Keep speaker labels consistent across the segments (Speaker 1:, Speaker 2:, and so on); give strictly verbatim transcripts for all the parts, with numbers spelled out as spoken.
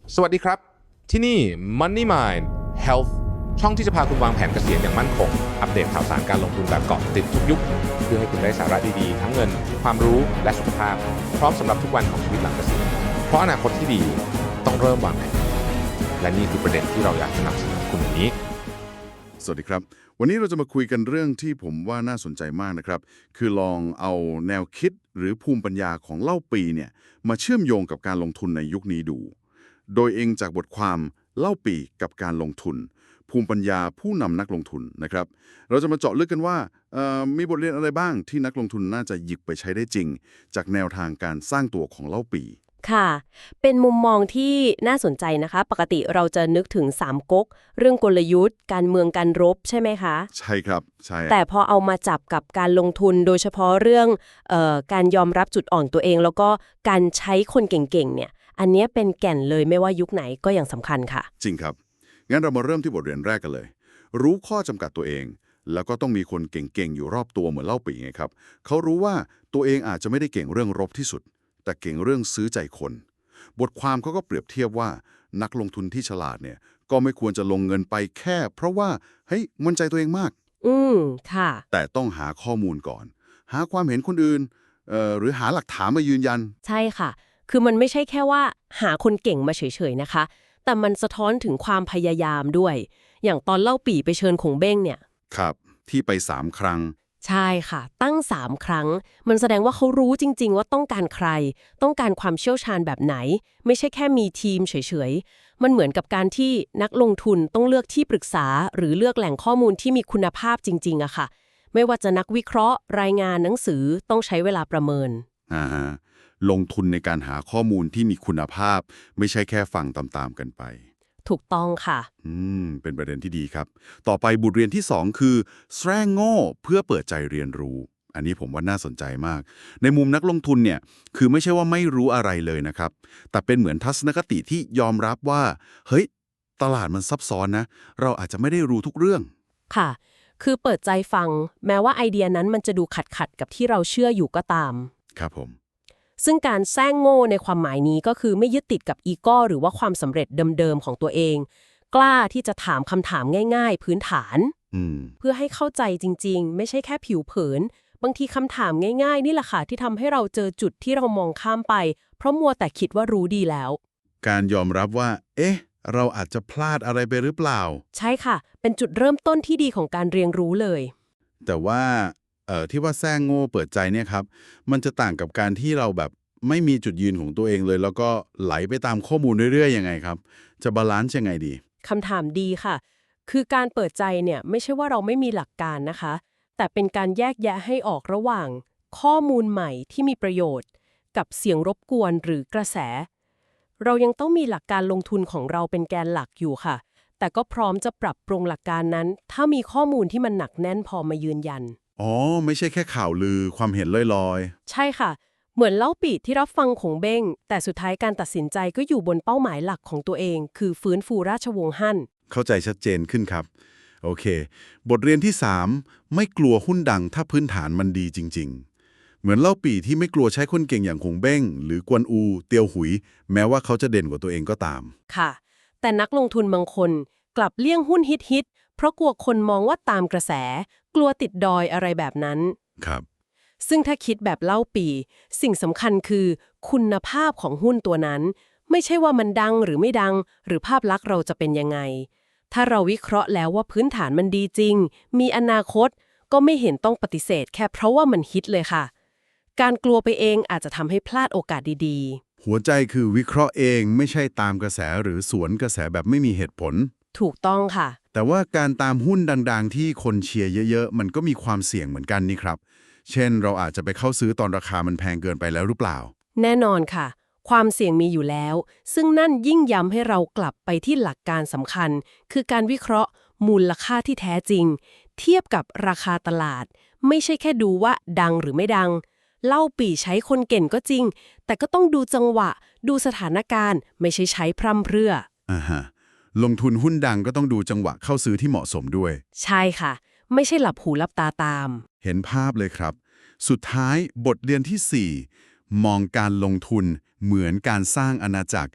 Speaker 1: สวัสดีครับที่นี่ Money Mind Health ช่องที่จะพาคุณวางแผนเกษียณอย่างมั่นคงอัปเดตข่าวสารการลงทุนแบบเกาะติดทุกยุคเพื่อให้คุณได้สาระดีๆทั้งเงินความรู้และสุขภาพพร้อมสำหรับทุกวันของชีวิตหลังเกษียณเพราะอนาคตที่ดีต้องเริ่มวางแผนและนี่คือประเด็นที่เราอยากจะนำเสนอคุณวันนี้
Speaker 2: สวัสดีครับวันนี้เราจะมาคุยกันเรื่องที่ผมว่าน่าสนใจมากนะครับคือลองเอาแนวคิดหรือภูมิปัญญาของเล่าปีเนี่ยมาเชื่อมโยงกับการลงทุนในยุคนี้ดูโดยเองจากบทความเล่าปีกับการลงทุนภูมิปัญญาผู้นำนักลงทุนนะครับเราจะมาเจาะลึกกันว่ามีบทเรียนอะไรบ้างที่นักลงทุนน่าจะหยิบไปใช้ได้จริงจากแนวทางการสร้างตัวของเล่าปี
Speaker 3: ค่ะเป็นมุมมองที่น่าสนใจนะคะปกติเราจะนึกถึงสามก๊กเรื่องกลยุทธ์การเมืองการรบใช่ไหมคะ
Speaker 2: ใช่ครับใช่
Speaker 3: แต่พอเอามาจับกับการลงทุนโดยเฉพาะเรื่องเอ่อการยอมรับจุดอ่อนตัวเองแล้วก็การใช้คนเก่งๆเนี่ยอันนี้เป็นแก่นเลยไม่ว่ายุคไหนก็ยังสำคัญค่ะ
Speaker 2: จริงครับงั้นเรามาเริ่มที่บทเรียนแรกกันเลยรู้ข้อจำกัดตัวเองแล้วก็ต้องมีคนเก่งๆอยู่รอบตัวเหมือนเล่าปีไงครับเขารู้ว่าตัวเองอาจจะไม่ได้เก่งเรื่องรบที่สุดแต่เก่งเรื่องซื้อใจคนบทความเขาก็เปรียบเทียบว่านักลงทุนที่ฉลาดเนี่ยก็ไม่ควรจะลงเงินไปแค่เพราะว่าเฮ้ยมั่นใจตัวเองมาก
Speaker 3: อืมค่ะ
Speaker 2: แต่ต้องหาข้อมูลก่อนหาความเห็นคนอื่นเอ่อหรือหาหลักฐานมายืนยัน
Speaker 3: ใช่ค่ะคือมันไม่ใช่แค่ว่าหาคนเก่งมาเฉยๆนะคะแต่มันสะท้อนถึงความพยายามด้วยอย่างตอนเล่าปี่ไปเชิญคงเบ้งเนี่ย
Speaker 2: ครับที่ไปสามครั้ง
Speaker 3: ใช่ค่ะตั้งสามครั้งมันแสดงว่าเขารู้จริงๆว่าต้องการใครต้องการความเชี่ยวชาญแบบไหนไม่ใช่แค่มีทีมเฉยๆมันเหมือนกับการที่นักลงทุนต้องเลือกที่ปรึกษาหรือเลือกแหล่งข้อมูลที่มีคุณภาพจริงๆอะค่ะไม่ว่าจะนักวิเคราะห์รายงานหนังสือต้องใช้เวลาประเมิน
Speaker 2: อ่าฮะลงทุนในการหาข้อมูลที่มีคุณภาพไม่ใช่แค่ฟังตามๆกันไป
Speaker 3: ถูกต้องค่ะ
Speaker 2: อืมเป็นประเด็นที่ดีครับต่อไปบทเรียนที่สองคือแสร้งโง่เพื่อเปิดใจเรียนรู้อันนี้ผมว่าน่าสนใจมากในมุมนักลงทุนเนี่ยคือไม่ใช่ว่าไม่รู้อะไรเลยนะครับแต่เป็นเหมือนทัศนคติที่ยอมรับว่าเฮ้ยตลาดมันซับซ้อนนะเราอาจจะไม่ได้รู้ทุกเรื่อง
Speaker 3: ค่ะคือเปิดใจฟังแม้ว่าไอเดียนั้นมันจะดูขัดขัดกับที่เราเชื่ออยู่ก็ตาม
Speaker 2: ครับผม
Speaker 3: ซึ่งการแซงโง่ในความหมายนี้ก็คือไม่ยึดติดกับอีโก้หรือว่าความสำเร็จเดิมๆของตัวเองกล้าที่จะถามคำถามง่ายๆพื้นฐาน
Speaker 2: อืม
Speaker 3: เพื่อให้เข้าใจจริงๆไม่ใช่แค่ผิวเผินบางทีคำถามง่ายๆนี่แหละค่ะที่ทำให้เราเจอจุดที่เรามองข้ามไปเพราะมัวแต่คิดว่ารู้ดีแล้ว
Speaker 2: การยอมรับว่าเอ๊ะเราอาจจะพลาดอะไรไปหรือเปล่า
Speaker 3: ใช่ค่ะเป็นจุดเริ่มต้นที่ดีของการเรียนรู้เลย
Speaker 2: แต่ว่าเอ่อที่ว่าแซงโง่เปิดใจเนี่ยครับมันจะต่างกับการที่เราแบบไม่มีจุดยืนของตัวเองเลย แล้วก็ไหลไปตามข้อมูลเรื่อยๆยังไงครับจะบาลานซ์ยังไงดี
Speaker 3: คำถามดีค่ะคือการเปิดใจเนี่ยไม่ใช่ว่าเราไม่มีหลักการนะคะแต่เป็นการแยกแยะให้ออกระหว่างข้อมูลใหม่ที่มีประโยชน์ กับเสียงรบกวนหรือกระแส เรายังต้องมีหลักการลงทุนของเราเป็นแกนหลักอยู่ค่ะแต่ก็พร้อมจะปรับปรุงหลักการนั้น ถ้ามีข้อมูลที่มันหนักแน่นพอมายืนยัน
Speaker 2: อ๋อไม่ใช่แค่ข่าวลือความเห็นลอย
Speaker 3: ใช่ค่ะเหมือนเล่าปีที่รับฟังของเบ้งแต่สุดท้ายการตัดสินใจก็อยู่บนเป้าหมายหลักของตัวเอง คือฟื้นฟูราชวงศ์ฮั่น
Speaker 2: ๆเข้าใจชัดเจนขึ้นครับโอเคบทเรียนที่สามไม่กลัวหุ้นดังถ้าพื้นฐานมันดีจริงๆเหมือนเล่าปี่ที่ไม่กลัวใช้คนเก่งอย่างคงเบ้งหรือกวนอูเตียวหุยแม้ว่าเขาจะเด่นกว่าตัวเองก็ตาม
Speaker 3: ค่ะแต่นักลงทุนบางคนกลับเลี่ยงหุ้นฮิตๆเพราะกลัวคนมองว่าตามกระแสกลัวติดดอยอะไรแบบนั้น
Speaker 2: ครับ
Speaker 3: ซึ่งถ้าคิดแบบเล่าปีสิ่งสำคัญคือคุณภาพของหุ้นตัวนั้นไม่ใช่ว่ามันดังหรือไม่ดังหรือภาพลักษณ์เราจะเป็นยังไงถ้าเราวิเคราะห์แล้วว่าพื้นฐานมันดีจริงมีอนาคตก็ไม่เห็นต้องปฏิเสธแค่เพราะว่ามันฮิตเลยค่ะการกลัวไปเองอาจจะทำให้พลาดโอกาสดี
Speaker 2: ๆหัวใจคือวิเคราะห์เองไม่ใช่ตามกระแสหรือสวนกระแสแบบไม่มีเหตุผล
Speaker 3: ถูกต้องค่ะ
Speaker 2: แต่ว่าการตามหุ้นดังๆที่คนเชียร์เยอะๆมันก็มีความเสี่ยงเหมือนกันนี่ครับเช่นเราอาจจะไปเข้าซื้อตอนราคามันแพงเกินไปแล้วหรือเปล่า
Speaker 3: แน่นอนค่ะความเสี่ยงมีอยู่แล้วซึ่งนั่นยิ่งย้ำให้เรากลับไปที่หลักการสำคัญคือการวิเคราะห์มูลค่าที่แท้จริงเทียบกับราคาตลาดไม่ใช่แค่ดูว่าดังหรือไม่ดังเล่าปี่ใช้คนเก่งก็จริงแต่ก็ต้องดูจังหวะดูสถานการณ์ไม่ใช่ใช้พร่ำเพรื่อ
Speaker 2: อ่าฮะลงทุนหุ้นดังก็ต้องดูจังหวะเข้าซื้อที่เหมาะสมด้วย
Speaker 3: ใช่ค่ะไม่ใช่หลับหูหลับตาตาม
Speaker 2: เห็นภาพเลยครับสุดท้ายบทเรียนที่สี่มองการลงทุนเหมือนการสร้างอาณาจักร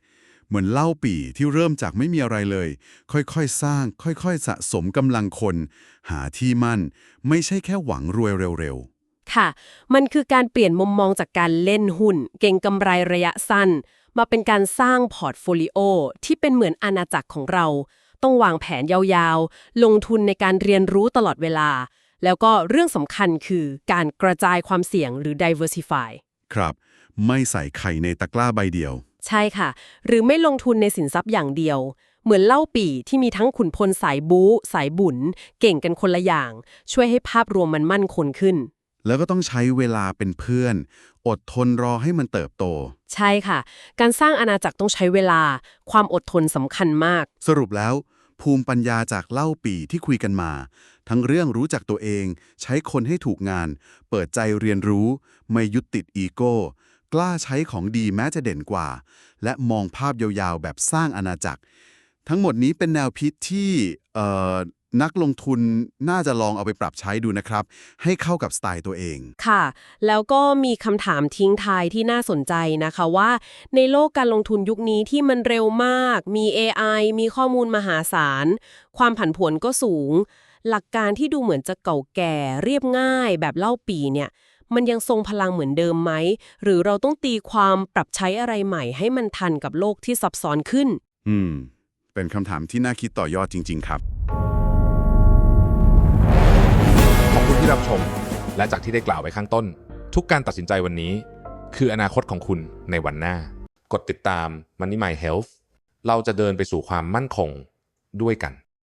Speaker 2: เหมือนเล่าปี่ที่เริ่มจากไม่มีอะไรเลย ค่อยๆ สร้าง ค่อยๆ สะสมกำลังคน หาที่มั่น ไม่ใช่แค่หวังรวยเร็ว
Speaker 3: ค่ะ มันคือการเปลี่ยนมุมมองจากการเล่นหุ้น เก็งกำไรระยะสั้น มาเป็นการสร้างพอร์ตโฟลิโอที่เป็นเหมือนอาณาจักรของเรา ต้องวางแผนยาวๆ ลงทุนในการเรียนรู้ตลอดเวลา แล้วก็เรื่องสำคัญคือการกระจายความเสี่ยงหรือ diversify
Speaker 2: ๆ ครับ ไม่ใส่ไข่ในตะกร้าใบเดียว
Speaker 3: ใช่ค่ะ หรือไม่ลงทุนในสินทรัพย์อย่างเดียว เหมือนเล่าปี่ที่มีทั้งขุนพลสายบู๊สายบุญ เก่งกันคนละอย่าง ช่วยให้ภาพรวมมันมั่นคงขึ้น
Speaker 2: แล้วก็ต้องใช้เวลาเป็นเพื่อน อดทนรอให้มันเติบโต
Speaker 3: ใช่ค่ะ การสร้างอาณาจักรต้องใช้เวลา ความอดทนสำคัญมาก
Speaker 2: สรุปแล้ว ภูมิปัญญาจากเล่าปี่ที่คุยกันมา ทั้งเรื่องรู้จักตัวเอง ใช้คนให้ถูกงาน เปิดใจเรียนรู้ ไม่ยึดติดอีโก้ กล้าใช้ของดีแม้จะเด่นกว่า และมองภาพยาวๆ แบบสร้างอาณาจักร ทั้งหมดนี้เป็นแนวคิดที่เอ่อนักลงทุนน่าจะลองเอาไปปรับใช้ดูนะครับ ให้เข้ากับสไตล์ตัวเอง
Speaker 3: ค่ะ แล้วก็มีคำถามทิ้งท้ายที่น่าสนใจนะคะว่า ในโลกการลงทุนยุคนี้ที่มันเร็วมาก มี เอ ไอ มีข้อมูลมหาศาล ความผันผวนก็สูง หลักการที่ดูเหมือนจะเก่าแก่เรียบง่ายแบบเล่าปีเนี่ย มันยังทรงพลังเหมือนเดิมไหม หรือเราต้องตีความปรับใช้อะไรใหม่ให้มันทันกับโลกที่ซับซ้อนขึ้น
Speaker 2: อืม เป็นคำถามที่น่าคิดต่อยอดจริง ๆ ครับ
Speaker 1: ขอบคุณที่รับชม และจากที่ได้กล่าวไว้ข้างต้น ทุกการตัดสินใจวันนี้ คืออนาคตของคุณในวันหน้า กดติดตาม Money My Health เราจะเดินไปสู่ความมั่นคงด้วยกัน